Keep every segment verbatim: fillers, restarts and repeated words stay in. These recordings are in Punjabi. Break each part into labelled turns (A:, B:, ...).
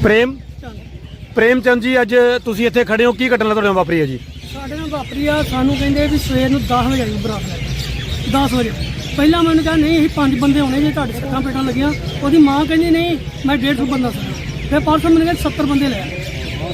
A: ਪ੍ਰੇਮ ਪ੍ਰੇਮ ਚੰਦ ਜੀ, ਅੱਜ ਤੁਸੀਂ ਇੱਥੇ ਖੜੇ ਹੋ, ਕੀ ਘਟਨਾ ਤੁਹਾਡੇ ਨਾਲ ਵਾਪਰੀ ਹੈ ਜੀ?
B: ਸਾਡੇ ਨਾਲ ਵਾਪਰੀ ਆ, ਸਾਨੂੰ ਕਹਿੰਦੇ ਵੀ ਸਵੇਰ ਨੂੰ ਦਸ ਵਜੇ ਆਈ ਬਰਾਤ ਲੈ ਕੇ। ਦਸ ਵਜੇ ਪਹਿਲਾਂ ਮੈਨੂੰ ਕਿਹਾ ਨਹੀਂ ਅਸੀਂ ਪੰਜ ਬੰਦੇ ਹੋਣੇ ਜੇ ਤੁਹਾਡੇ ਸੱਟਾਂ ਪੇਟਾਂ ਲੱਗੀਆਂ। ਉਹਦੀ ਮਾਂ ਕਹਿੰਦੀ ਨਹੀਂ ਮੈਂ ਡੇਢ ਸੌ ਬੰਦਾ ਸੀ। ਫਿਰ ਪਰਸੋਂ ਮੈਨੂੰ ਕਹਿੰਦੇ ਸੱਤਰ ਬੰਦੇ ਲੈ ਆਏ।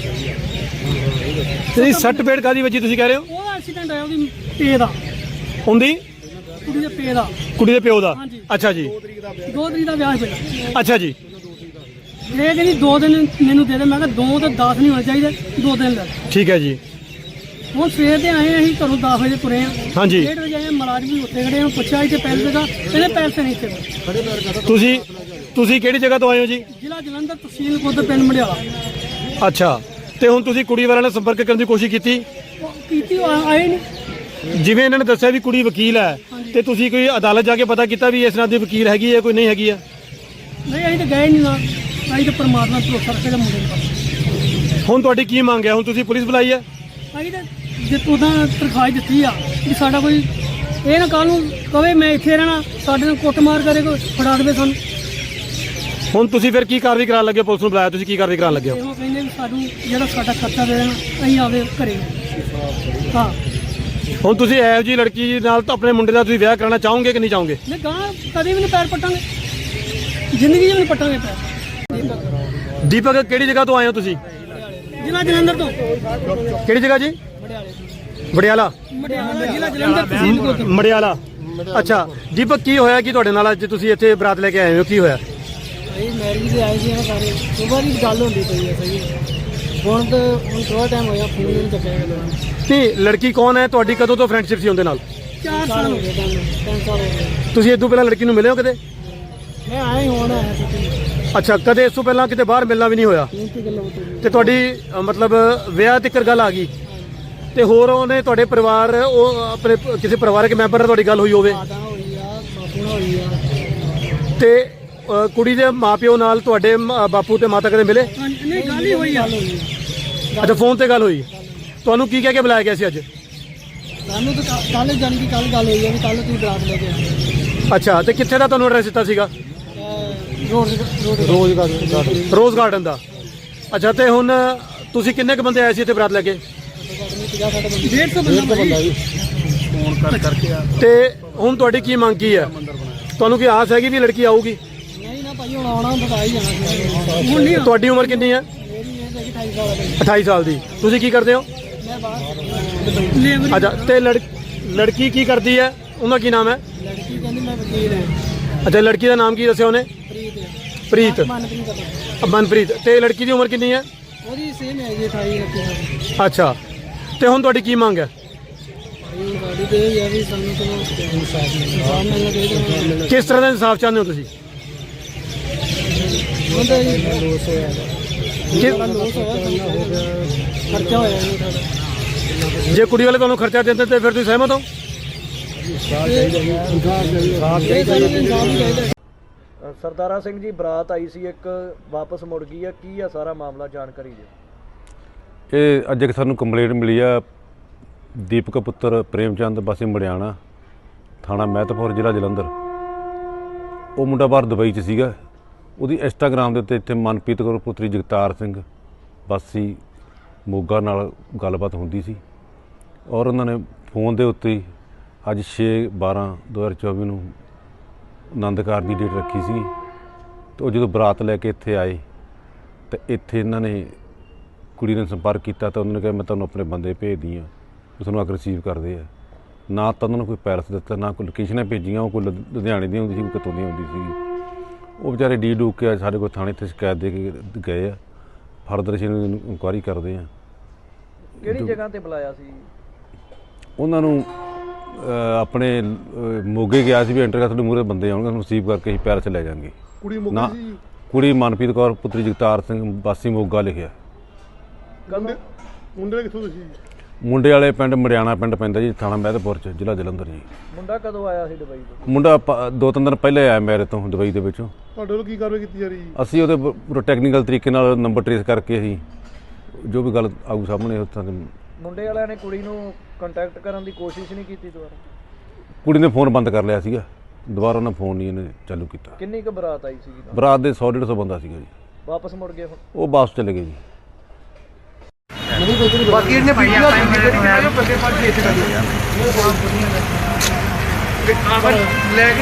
A: ਤੁਸੀਂ ਸੱਟ ਪੇਟ ਕਾਦੀ ਵੱਜੀ ਤੁਸੀਂ ਕਹਿ ਰਹੇ ਹੋ?
B: ਉਹਦਾ ਐਕਸੀਡੈਂਟ ਆਇਆ ਉਹਦੀ ਪੇ ਦਾ,
A: ਹੁੰਦੀ
B: ਕੁੜੀ ਦੇ ਪੇ ਦਾ,
A: ਕੁੜੀ ਦੇ ਪਿਓ ਦਾ।
B: ਹਾਂਜੀ।
A: ਅੱਛਾ ਜੀ,
B: ਦੋ ਤਰੀਕ ਦਾ ਵਿਆਹ ਪਿਆ।
A: ਅੱਛਾ ਜੀ।
B: ਇਹ ਕਹਿੰਦੀ ਦੋ ਦਿਨ ਮੈਨੂੰ ਦੇ ਦੇ। ਮੈਂ ਕਿਹਾ ਦੋ ਤੇ ਦਸ ਨਹੀਂ ਹੋਣੇ ਚਾਹੀਦੇ, ਦੋ ਦਿਨ ਲੈ।
A: ਠੀਕ ਹੈ ਜੀ।
B: ਹੁਣ ਸਵੇਰ ਦੇ ਆਏ ਅਸੀਂ ਘਰੋਂ ਦਸ ਵਜੇ ਤੁਰੇ ਆ।
A: ਹਾਂਜੀ।
B: ਡੇਢ ਵਜੇ ਆਏ, ਮੁਲਾਜ਼ਮ ਵੀ ਉੱਥੇ ਖੜੇ ਆ। ਪੁੱਛਿਆ ਇੱਥੇ ਪੈਸੇ ਦਾ, ਇਹਦੇ ਪੈਸੇ ਨਹੀਂ ਇੱਥੇ।
A: ਤੁਸੀਂ ਤੁਸੀਂ ਕਿਹੜੀ ਜਗ੍ਹਾ ਤੋਂ ਆਏ ਹੋ ਜੀ?
B: ਜ਼ਿਲ੍ਹਾ ਜਲੰਧਰ, ਤਹਿਸੀਲ ਖੁਦ, ਪਿੰਡ ਮੰਡਿਆਲਾ।
A: ਅੱਛਾ, ਤੇ ਹੁਣ ਤੁਸੀਂ ਕੁੜੀ ਵਾਲਿਆਂ ਨਾਲ ਸੰਪਰਕ ਕਰਨ ਦੀ ਕੋਸ਼ਿਸ਼ ਕੀਤੀ?
B: ਉਹ ਕੀਤੀ, ਉਹ ਆਏ ਨਹੀਂ।
A: ਜਿਵੇਂ ਇਹਨਾਂ ਨੇ ਦੱਸਿਆ ਵੀ ਕੁੜੀ ਵਕੀਲ ਹੈ, ਤੇ ਤੁਸੀਂ ਕੋਈ ਅਦਾਲਤ ਜਾ ਕੇ ਪਤਾ ਕੀਤਾ ਵੀ ਇਸ ਨਾਲ ਦੀ ਵਕੀਲ ਹੈਗੀ ਹੈ ਕੋਈ ਨਹੀਂ ਹੈਗੀ ਆ?
B: ਨਹੀਂ, ਅਸੀਂ ਤਾਂ ਗਏ ਨਹੀਂ ਨਾ। ਅਸੀਂ ਤਾਂ ਪਰਮਾਤਮਾ ਤੋਂ ਭਰੋਸਾ ਰੱਖੇ ਮੁੰਡੇ ਨੂੰ।
A: ਹੁਣ ਤੁਹਾਡੀ ਕੀ ਮੰਗ ਹੈ? ਹੁਣ ਤੁਸੀਂ ਪੁਲਿਸ ਬੁਲਾਈ ਹੈ?
B: ਅਸੀਂ ਤਾਂ ਜੇ ਉਹਦਾ ਤਰਖਾਸ਼ ਦਿੱਤੀ ਆ ਕਿ ਸਾਡਾ ਕੋਈ ਇਹ ਨਾ ਕੱਲ੍ਹ ਨੂੰ ਕਵੇ ਮੈਂ ਇੱਥੇ ਰਹਿਣਾ, ਸਾਡੇ ਨਾਲ ਕੁੱਟਮਾਰ ਕਰੇ, ਕੋਈ ਫੜਾ ਦੇਵੇ ਸਾਨੂੰ।
A: ਹੁਣ ਤੁਸੀਂ ਫਿਰ ਕੀ ਕਾਰਵਾਈ ਕਰਾਉਣ ਲੱਗੇ? ਪੁਲਿਸ ਨੂੰ ਬੁਲਾਇਆ, ਤੁਸੀਂ ਕੀ ਕਾਰਵਾਈ ਕਰਾਉਣ ਲੱਗੇ ਹੋ?
B: ਇਹੋ ਕਹਿੰਦੇ ਵੀ ਸਾਨੂੰ ਜਿਹੜਾ ਸਾਡਾ ਖਰਚਾ ਦੇ ਦੇਣਾ, ਅਸੀਂ ਆਵੇ ਘਰੇ। ਹਾਂ,
A: ਹੁਣ ਤੁਸੀਂ ਇਹੋ ਜਿਹੀ ਲੜਕੀ ਨਾਲ ਤਾਂ ਆਪਣੇ ਮੁੰਡੇ ਦਾ ਤੁਸੀਂ ਵਿਆਹ ਕਰਾਉਣਾ ਚਾਹੋਗੇ ਕਿ ਨਹੀਂ ਚਾਹੋਗੇ?
B: ਨਹੀਂ, ਗਾਂ ਕਦੇ ਵੀ ਨਹੀਂ ਪੈਰ ਪੱਟਾਂਗੇ, ਜ਼ਿੰਦਗੀ 'ਚ ਵੀ ਨਹੀਂ ਪੱਟਾਂਗੇ ਪੈਰ।
A: ਦੀਪਕ, ਕਿਹੜੀ ਜਗ੍ਹਾ ਤੋਂ ਆਏ ਹੋ ਤੁਸੀਂ?
B: ਜ਼ਿਲ੍ਹਾ ਜਲੰਧਰ ਤੋਂ।
A: ਕਿਹੜੀ ਜਗ੍ਹਾ ਜੀ? ਵੜਿਆਲਾ।
B: ਮੜਿਆਲਾ, ਜ਼ਿਲ੍ਹਾ ਜਲੰਧਰ, ਤਹਿਸੀਲ ਖੁਦ।
A: ਮੜਿਆਲਾ। ਅੱਛਾ ਦੀਪਕ, ਕੀ ਹੋਇਆ ਕਿ ਤੁਹਾਡੇ ਨਾਲ ਅੱਜ ਤੁਸੀਂ ਇੱਥੇ ਬਰਾਤ ਲੈ ਕੇ ਆਏ ਹੋ? ਕੀ ਹੋਇਆ?
B: ਅਸੀਂ ਮੈਰਿਜ ਦੇ ਆਏ ਸੀ ਨਾ ਸਾਰੇ। ਸੁਬਾਹ ਦੀ ਗੱਲ ਹੁੰਦੀ ਪਈ ਹੈ ਸਹੀ। ਹੁਣ ਤਾਂ ਹੁਣ ਥੋੜਾ ਟਾਈਮ ਹੋਇਆ, ਫੋਨ ਨਹੀਂ ਚੱਕਿਆ ਗਿਆ।
A: ਨਹੀਂ, ਲੜਕੀ ਕੌਣ ਹੈ ਤੁਹਾਡੀ? ਕਦੋਂ ਤੋਂ ਫਰੈਂਡਸ਼ਿਪ ਸੀ ਉਹਦੇ ਨਾਲ?
B: ਚਾਰ ਸਾਲ ਹੋ ਗਏ, ਤਿੰਨ ਤਿੰਨ ਸਾਲ ਹੋ ਗਏ।
A: ਤੁਸੀਂ ਇਸ ਤੋਂ ਪਹਿਲਾਂ ਲੜਕੀ ਨੂੰ ਮਿਲੇ ਹੋ ਕਦੇ?
B: ਮੈਂ ਆਇਆ ਹੀ ਹੁਣ ਆਇਆ ਸੀ।
A: ਅੱਛਾ, ਕਦੇ ਇਸ ਤੋਂ ਪਹਿਲਾਂ ਕਿਤੇ ਬਾਹਰ ਮਿਲਣਾ ਵੀ ਨਹੀਂ ਹੋਇਆ?
B: ਕੀ ਗੱਲਾਂ ਹੋਈ?
A: ਤੇ ਤੁਹਾਡੀ ਅ, ਮਤਲਬ ਵਿਆਹ ਤੱਕ ਗੱਲ ਆ ਗਈ, ਤੇ ਹੋਰ ਉਹਨੇ ਤੁਹਾਡੇ ਪਰਿਵਾਰ, ਉਹ ਆਪਣੇ ਕਿਸੇ ਪਰਿਵਾਰਕ ਮੈਂਬਰ ਨਾਲ ਤੁਹਾਡੀ ਗੱਲ ਹੋਈ ਹੋਵੇ?
B: ਮਾਤਾ ਹੋਈ ਆ, ਬਾਪੂ ਨਾਲ ਹੋਈ ਆ।
A: ਤੇ ਅ, ਕੁੜੀ ਦੇ ਮਾਪਿਓ ਨਾਲ ਤੁਹਾਡੇ ਮ- ਬਾਪੂ ਤੇ ਮਾਤਾ ਕਦੇ ਮਿਲੇ?
B: ਨਹੀਂ, ਗੱਲ ਹੀ ਹੋਈ ਆ।
A: ਅੱਛਾ, ਫੋਨ ਤੇ ਗੱਲ ਹੋਈ। ਤੁਹਾਨੂੰ ਕੀ ਕਹਿ ਕੇ ਬੁਲਾਇਆ ਗਿਆ ਸੀ ਅੱਜ?
B: ਸਾਨੂੰ ਤਾਂ ਕੱਲ ਜਾਣ ਦੀ ਕੱਲ ਗੱਲ ਹੋਈ ਆ ਵੀ ਕੱਲ ਤੁਸੀਂ ਬਰਾਤ ਲੈ ਕੇ ਆਏ।
A: ਅੱਛਾ, ਤੇ ਕਿੱਥੇ ਦਾ ਤੁਹਾਨੂੰ ਐਡਰੈਸ ਦਿੱਤਾ ਸੀਗਾ?
B: Road road garden.
A: Rose garden ਦਾ। ਅੱਛਾ, ਤੇ ਹੁਣ ਤੁਸੀਂ ਕਿੰਨੇ ਕੁ ਬੰਦੇ ਆਏ ਸੀ ਇੱਥੇ ਬਰਾਤ ਲੈ ਕੇ?
B: ਡੇਢ ਸੌ ਬੰਦਾ
C: ਫੋਨ ਕਰ ਕਰਕੇ ਆ।
A: ਤੇ ਹੁਣ ਤੁਹਾਡੀ ਕੀ ਮੰਗ ਕੀ ਹੈ? ਤੁਹਾਨੂੰ ਕੀ ਆਸ ਹੈਗੀ ਵੀ ਲੜਕੀ ਆਊਗੀ?
B: ਨਹੀਂ ਨਾ ਭਾਈ, ਹੁਣ ਆਉਣਾ ਬਤਾ ਹੀ ਜਾਣਾ ਸੀ। ਹੁਣ ਨਹੀਂ।
A: ਤੁਹਾਡੀ ਉਮਰ ਕਿੰਨੀ ਹੈ?
B: ਮੇਰੀ ਇਹ ਹੈਗੀ ਅਠਾਈ ਸਾਲ ਦੀ।
A: ਅਠਾਈ ਸਾਲ ਦੀ। ਤੁਸੀਂ ਕੀ ਕਰਦੇ ਹੋ?
B: ਮੈਂ ਬਾਹਰ ਲੇਬਰ।
A: ਅੱਛਾ, ਤੇ ਲੜ ਲੜਕੀ ਕੀ ਕਰਦੀ ਹੈ? ਉਹਦਾ ਕੀ ਨਾਮ ਹੈ?
B: ਲੜਕੀ ਕਹਿੰਦੀ ਮੈਂ ਵਕੀਲ ਹਾਂ।
A: ਅੱਛਾ, ਲੜਕੀ ਦਾ ਨਾਮ ਕੀ ਦੱਸਿਆ ਉਹਨੇ?
B: ਪ੍ਰੀਤ।
A: ਪ੍ਰੀਤ।
B: ਮਨਪ੍ਰੀਤ ਦਾ।
A: ਮਨਪ੍ਰੀਤ। ਤੇ ਲੜਕੀ ਦੀ ਉਮਰ ਕਿੰਨੀ ਹੈ?
B: ਉਹਦੀ ਸੇਮ ਹੈ ਜੀ, ਅਠਾਈ ਉਨੱਤੀ ਸਾਲ।
A: ਅੱਛਾ, ਤੇ ਹੁਣ ਤੁਹਾਡੀ ਕੀ ਮੰਗ ਹੈ?
B: ਭਾਈ ਗਾੜੀ ਤੇ ਇਹ ਹੈ ਵੀ ਸਾਨੂੰ ਚਲੋ ਇਨਸਾਫ ਮਿਲਣਾ ਚਾਹੀਦਾ।
A: ਕਿਸ ਤਰ੍ਹਾਂ ਦਾ ਇਨਸਾਫ ਚਾਹੁੰਦੇ ਹੋ ਤੁਸੀਂ?
B: ਹੁੰਦਾ ਜੀ ਲੋਸ ਹੋਇਆ,
A: ਕਿ-
B: ਲੋਸ ਹੋਇਆ, ਖਰਚਾ ਹੋਇਆ ਜੀ ਸਾਡਾ।
A: ਜੇ ਕੁੜੀ ਵਾਲੇ ਤੁਹਾਨੂੰ ਖਰਚਾ ਦਿੰਦੇ ਤੇ ਫਿਰ ਤੁਸੀਂ ਸਹਿਮਤ ਹੋ?
B: ਇਹ ਸਾਨੂੰ ਇਨਸਾਫ ਹੀ ਚਾਹੀਦਾ।
C: ਸਰਦਾਰਾ ਸਿੰਘ ਜੀ, ਬਰਾਤ ਆਈ ਸੀ ਇੱਕ, ਵਾਪਸ ਮੁੜ ਗਈ ਆ, ਕੀ ਆ ਸਾਰਾ ਮਾਮਲਾ, ਜਾਣਕਾਰੀ ਦਿਓ।
D: ਇਹ ਅੱਜ ਇੱਕ ਸਾਨੂੰ ਕੰਪਲੇਂਟ ਮਿਲੀ ਆ, ਦੀਪਕ ਪੁੱਤਰ ਪ੍ਰੇਮ ਚੰਦ ਵਾਸੀ ਮੜਿਆਣਾ, ਥਾਣਾ ਮਹਿਤਪੁਰ, ਜ਼ਿਲ੍ਹਾ ਜਲੰਧਰ। ਉਹ ਮੁੰਡਾ ਬਾਹਰ ਦੁਬਈ 'ਚ ਸੀਗਾ। ਉਹਦੀ ਇੰਸਟਾਗ੍ਰਾਮ ਦੇ ਉੱਤੇ ਇੱਥੇ ਮਨਪ੍ਰੀਤ ਕੌਰ ਪੁੱਤਰੀ ਜਗਤਾਰ ਸਿੰਘ ਵਾਸੀ ਮੋਗਾ ਨਾਲ ਗੱਲਬਾਤ ਹੁੰਦੀ ਸੀ, ਔਰ ਉਹਨਾਂ ਨੇ ਫੋਨ ਦੇ ਉੱਤੇ ਹੀ ਅੱਜ ਛੇ ਬਾਰਾਂ ਦੋ ਹਜ਼ਾਰ ਚੌਵੀ ਨੂੰ ਆਨੰਦ ਕਾਰਜ ਦੀ ਡੇਟ ਰੱਖੀ ਸੀ। ਅਤੇ ਉਹ ਜਦੋਂ ਬਰਾਤ ਲੈ ਕੇ ਇੱਥੇ ਆਏ ਤਾਂ ਇੱਥੇ ਇਹਨਾਂ ਨੇ ਕੁੜੀ ਨੇ ਸੰਪਰਕ ਕੀਤਾ, ਤਾਂ ਉਹਨਾਂ ਨੇ ਕਿਹਾ ਮੈਂ ਤੁਹਾਨੂੰ ਆਪਣੇ ਬੰਦੇ ਭੇਜਦੀ ਹਾਂ, ਉਹ ਤੁਹਾਨੂੰ ਆ ਕੇ ਰਿਸੀਵ ਕਰਦੇ ਆ। ਨਾ ਤਾਂ ਉਹਨਾਂ ਨੂੰ ਕੋਈ ਪੈਰਸ ਦਿੱਤਾ, ਨਾ ਕੋਈ ਲੋਕੇਸ਼ਨਾਂ ਭੇਜੀਆਂ। ਉਹ ਕੋਈ ਲੁ- ਲੁਧਿਆਣੇ ਦੀ ਹੁੰਦੀ ਸੀ, ਕੋਈ ਕਿਤੋਂ ਦੀ ਹੁੰਦੀ ਸੀ। ਉਹ ਵਿਚਾਰੇ ਡੀ ਡੂਕ ਕੇ ਸਾਡੇ ਕੋਲ ਥਾਣੇ 'ਤੇ ਸ਼ਿਕਾਇਤ ਦੇ ਕੇ ਗਏ ਆ। ਫਰਦਰ ਅਸੀਂ ਇਹਨੂੰ ਇਨਕੁਆਇਰੀ ਕਰਦੇ ਹਾਂ।
C: ਕਿਹੜੀ ਜਗ੍ਹਾ ਤੇ ਬੁਲਾਇਆ ਸੀ?
D: ਉਹਨਾਂ ਨੂੰ ਅ, ਆਪਣੇ ਅ, ਮੋਗੇ ਗਿਆ ਸੀ ਵੀ ਐਂਟਰ ਕਰ ਤੁਹਾਡੇ ਮੂਹਰੇ ਬੰਦੇ ਆਉਣਗੇ, ਤੁਹਾਨੂੰ ਰਿਸੀਵ ਕਰਕੇ ਅਸੀਂ ਪੈਰਸ ਲੈ ਜਾਵਾਂਗੇ।
A: ਕੁੜੀ
D: ਨਾ, ਕੁੜੀ ਮਨਪ੍ਰੀਤ ਕੌਰ ਪੁੱਤਰੀ ਜਗਤਾਰ ਸਿੰਘ ਵਾਸੀ ਮੋਗਾ ਲਿਖਿਆ।
A: ਮੁੰਡੇ ਮੁੰਡੇ ਕਿੱਥੋਂ ਤੁਸੀਂ?
D: ਮੁੰਡੇ ਵਾਲੇ ਪਿੰਡ ਮੜਿਆਣਾ ਪਿੰਡ ਪੈਂਦਾ ਜੀ, ਥਾਣਾ ਮਹਿਤਪੁਰ 'ਚ, ਜ਼ਿਲ੍ਹਾ ਜਲੰਧਰ ਜੀ।
C: ਮੁੰਡਾ ਕਦੋਂ ਆਇਆ ਸੀ ਦੁਬਈ ਤੋਂ?
D: ਮੁੰਡਾ ਪ- ਦੋ ਤਿੰਨ ਦਿਨ ਪਹਿਲੇ ਆਇਆ ਮੇਰੇ ਤੋਂ ਦੁਬਈ ਦੇ ਵਿੱਚੋਂ।
A: ਤੁਹਾਡੇ ਵੱਲੋਂ ਕੀ ਕਾਰਵਾਈ ਕੀਤੀ ਜਾ ਰਹੀ ਹੈ?
D: ਅਸੀਂ ਉਹਦੇ ਪ- ਪੂਰਾ ਟੈਕਨੀਕਲ ਤਰੀਕੇ ਨਾਲ ਨੰਬਰ ਟਰੇਸ ਕਰਕੇ ਅਸੀਂ ਜੋ ਵੀ ਗੱਲ ਆਊ ਸਾਹਮਣੇ ਉੱਥਾਂ ਦੇ।
C: ਮੁੰਡੇ ਵਾਲਿਆਂ ਨੇ ਕੁੜੀ ਨੂੰ ਕੰਟੈਕਟ ਕਰਨ ਦੀ ਕੋਸ਼ਿਸ਼ ਨਹੀਂ ਕੀਤੀ ਦੁਬਾਰਾ?
D: ਕੁੜੀ ਨੇ ਫੋਨ ਬੰਦ ਕਰ ਲਿਆ ਸੀਗਾ, ਦੁਬਾਰਾ ਉਹਨਾਂ ਫੋਨ ਨਹੀਂ ਇਹਨੇ ਚਾਲੂ ਕੀਤਾ।
C: ਕਿੰਨੀ ਕੁ ਬਰਾਤ ਆਈ ਸੀ?
D: ਬਰਾਤ ਦੇ ਸੌ ਡੇਢ ਸੌ ਬੰਦਾ ਸੀਗਾ ਜੀ।
C: ਵਾਪਸ ਮੁੜ ਗਏ ਹੁਣ?
D: ਉਹ ਵਾਪਸ ਚਲੇ ਗਏ ਜੀ।
E: ਬਾਕੀ ਇਹਨੇ ਵੀਡੀਓ ਬੰਦੇ ਪਾਸ ਭੇਜ ਦਿੱਤਾ ਲੈ ਕੇ